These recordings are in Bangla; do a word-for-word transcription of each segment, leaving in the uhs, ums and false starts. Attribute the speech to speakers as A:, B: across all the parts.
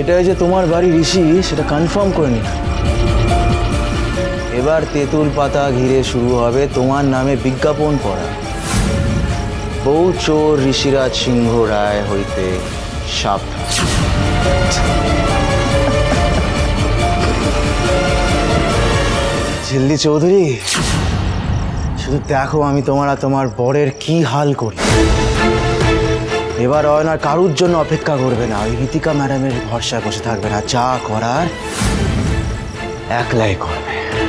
A: এটাই যে তোমার বাড়ি ঋষি সেটা কনফার্ম করে নিলাম। এবার তেঁতুল পাতা ঘিরে শুরু হবে তোমার নামে বিজ্ঞাপন পড়া। বউ চোর ঋষিরাজ সিংহ রায় হইতে সাবধান। ঝিল্লি চৌধুরী, শুধু দেখো আমি তোমার আর তোমার বরের কি হাল করি। এবার অয়নার কারুর জন্য অপেক্ষা করবে না, ওই রীতিকা ম্যাডামের ভরসায় বসে থাকবে না, যা করার একলাই করবে।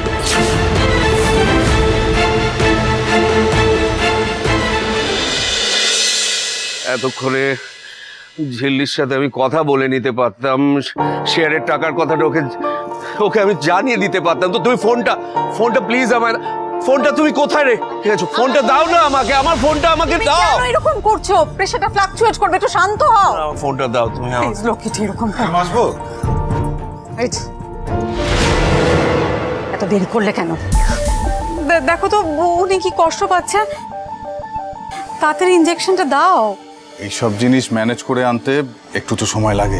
B: এতক্ষণে ঝিল্লির সাথে আমি কথা বলে নিতে পারতাম, শেয়ারের টাকার কথাটা ওকে ওকে আমি জানিয়ে দিতে পারতাম। তো তুমি ফোনটা ফোনটা প্লিজ আমার ফোনটা তুমি কোথায় রেখেছো? ফোনটা দাও না আমাকে, আমার ফোনটা আমাকে দাও।
C: কেন এরকম করছো? প্রেসারটা ফ্লাকচুয়েট করবে, একটু শান্ত হও।
B: আমার ফোনটা দাও তুমি আমার।
C: প্লিজ লক্ষ্মীটি, এরকম
D: আসবো।
C: এই যে, এত দেরি করলে কেন? দেখো তো উনি কি কষ্ট পাচ্ছে, তাড়াতাড়ি ইনজেকশনটা দাও।
D: এইসব জিনিস ম্যানেজ করে আনতে একটু তো সময় লাগে।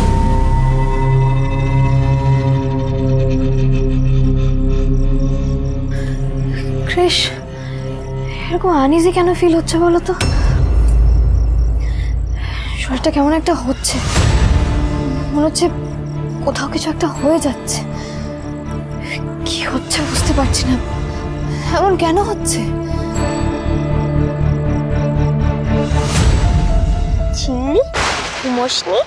E: ক্রিশ, এরকম আনইজি কেন ফিল হচ্ছে বলো তো? শরীরটা কেমন একটা হচ্ছে, মনে হচ্ছে কোথাও কিছু একটা হয়ে যাচ্ছে। কি হচ্ছে বুঝতে পারছি না, এমন কেন হচ্ছে?
F: ঝিল্লি, ঘুমোসনি?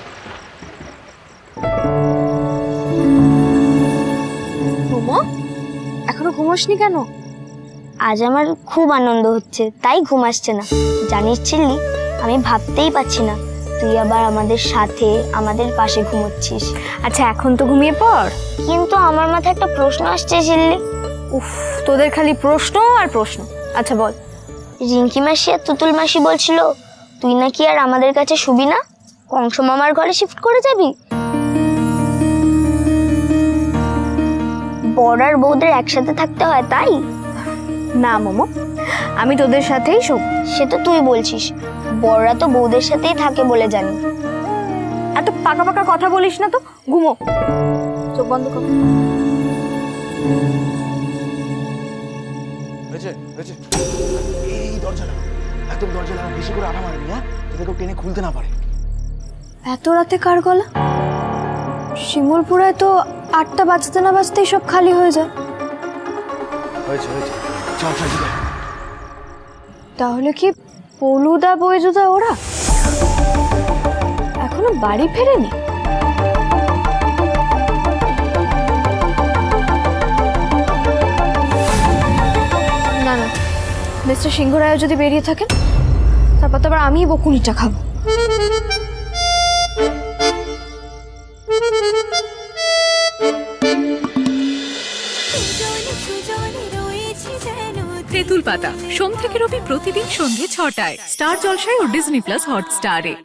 F: ঘুমো? এখনো ঘুমোসনি কেন? আজ আমার খুব আনন্দ হচ্ছে, তাই ঘুম আসছে না। জানিস ঝিল্লি, আমি ভাবতেই পারছি না তুই আবার আমাদের সাথে আমাদের পাশে ঘুমোচ্ছিস।
E: আচ্ছা এখন তো ঘুমিয়ে পড়।
F: কিন্তু আমার মাথায় একটা প্রশ্ন আসছে ঝিল্লি।
E: উফ, তোদের খালি প্রশ্ন আর প্রশ্ন। আচ্ছা বল।
F: রিঙ্কি মাসি আর তুতুল মাসি বলছিল তুই নাকি আর আমাদের কাছে শুবি না, কংস মামার ঘরে শিফট করে যাবি। বর আর বউদের একসাথে থাকতে হয় তাই?
E: না মোমো, আমি তোদের সাথেই শোব।
F: সে তো তুই বলছিস, বড়রা তো বউদের সাথেই থাকে বলে জানি।
E: এত পাকা পাকা কথা বলিস না তো, ঘুমো। চোখ বন্ধ কর।
A: হয়েছে হয়েছে, এই দরজা লাগা, একদম দরজা লাগা, বেশি করে আটা মারবি, হ্যাঁ, যাতে কেউ টেনে খুলতে না পারে।
E: এত রাতে কার গলা? শিমুলপুরায় তো আটটা বাজতে না বাজতেই সব খালি হয়ে যায়।
A: হয়েছে হয়েছে, চল চল চল।
E: তাহলে কি পলুদা বৈজুদা ওরা এখনো বাড়ি ফেরেনি? না না, মিস্টার সিংহ রায় যদি বেরিয়ে থাকেন, তারপর তো আবার আমিই বকুনিটা খাবো।
G: তেঁতুল পাতা সোম থেকে রবি প্রতিদিন সন্ধ্যে ছটায় স্টার জলসায় ও ডিজনি প্লাস হটস্টারে।